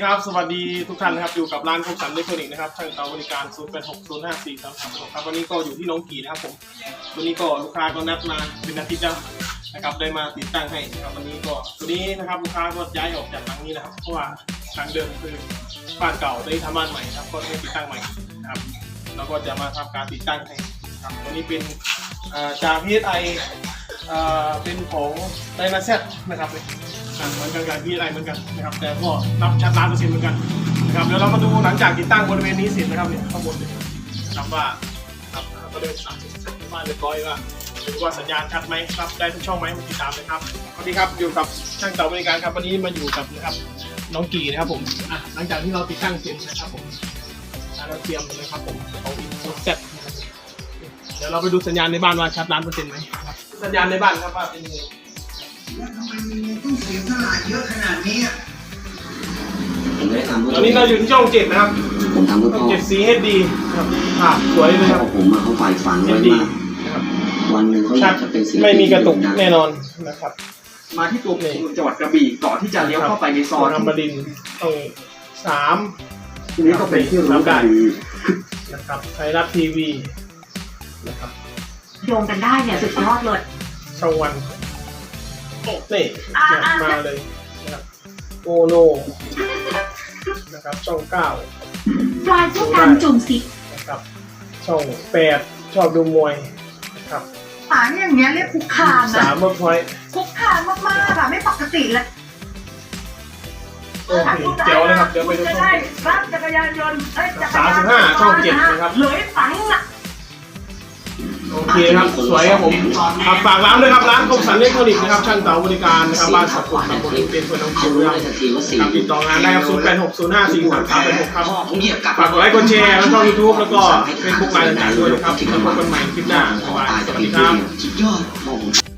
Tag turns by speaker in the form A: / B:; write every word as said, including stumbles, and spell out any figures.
A: ครับสวัสดีทุกท่านนะครับอยู่กับร้านคมสันอิเล็กทรอนิกส์นะครับช่างเตาบริการศูนย์ แปด หก ศูนย์ ห้า สี่ สาม สาม หกครับวันนี้ก็อยู่ที่น้องกี่นะครับผมวันนี้ก็ลูกค้าก็นัดมาเป็นอาทิตย์แล้วนะครับได้มาติดตั้งให้นะครับวันนี้ก็ตัวนี้นะครับลูกค้าก็ย้ายออกจากหลังนี้นะครับเพราะว่าหลังเดิมคือบ้านเก่าได้ทำบ้านใหม่ครับก็ได้ติดตั้งใหม่นะครับเราก็จะมาทำการติดตั้งให้ครับวันนี้เป็นจาก พี เอส ไอ เป็นของไดนาเซตนะครับเหมือนกันกับพี เอส ไอ เหมือนกันนะครับแต่ก็รับชัดล้านเปอร์เซ็นต์เหมือนกันนะครับเดี๋ยวเรามาดูหลังจากติดตั้งบริเวณนี้เสร็จนะครับเนี่ยข้างบนเนี่ยนะครับว่าครับก็ได้สั่งเสร็จบ้านเรียบร้อยว่าดูว่าสัญญาณชัดไหมครับได้ทุกช่องไหมติดตามเลยครับสวัสดีครับอยู่กับช่างเตาบริการครับวันนี้มาอยู่กับนะครับน้องกี่นะครับผมอ่ะหลังจากที่เราติดตั้งเสร็จนะครับผมเราเตรียมนะครับผมของอินโฟเซ็ตเดี๋ยวเราไปดูสัญญาณในบ้านว่าชัดล้านเปอร์เซ็นต์ไหมครับสัญญาณในบ้านครับว่าเป็นยังไง
B: แล้วทำไมมันต้องเสียสละเยอะขนาดนี้อ่ะ
C: ผมไม่ได้ทำ
A: ตอนนี้เราอยู่ที่ช่องเจ็ดนะครับ
C: ผมทำเพื่อพ่อ
A: เจ็ด ซี เอช ดี ครับภาพสวยเลยครับ
C: ผมมาเขาฝ่ายฝันไว้มากวันหนึ่งเขาอยากจะเป็นศิลปิน
A: ไม่มีกระตุกแน่นอนนะครับ
D: มาที่ตัวเมืองจังหวัดกระบี่ก่อนที่จะเลี้ยวเข้าไปในซอย
A: ธรรมดินต้องสาม
C: ทีนี้ก็เป็นที่รู้กัน
A: นะครับไทยรัฐทีวีนะครับ
E: โยงกันได้เนี่ยสุดยอดเลย
A: ช่องวันโอ้นี่มาเลยนะครับโอโนนะครับช่องเก้า
E: ปลายผู้การจุ่มสิ
A: นะครับช่องแปดชอบดูมวยนะครับ
E: หาอย่างเงี้ยเรียกคุกคามนะ
A: สามเมื่อพอย
E: คุกคามมากๆอะไม่ปกติเลย
A: โอเคเดี๋ยวนะครับเดี๋ยวไปดูช่อง
E: รับจักรยานยนต์
A: สามสิบห้าช่องเจ็ดนะครับ
E: เลยฝังอะ
A: โอเคครับสวยครับผมครับฝากร้านด้วยครับร้านคมสันอิเล็กทรอนิกส์นะครับช่างเต๋าบริการนะครับบ้านสับกุดตำบลเป็นเพื่อนน้องคิวนะครับติดต่องานได้ครับศูนย์ แปด หก ศูนย์ ห้า สี่ สาม สาม แปด หกครับฝากกดไลค์กดแชร์แล้วช่องยูทูบแล้วก็เฟซบุ๊กไลน์ต่างๆด้วยนะครับแล้วพบกันใหม่คลิปหน้าสวัสดีครับ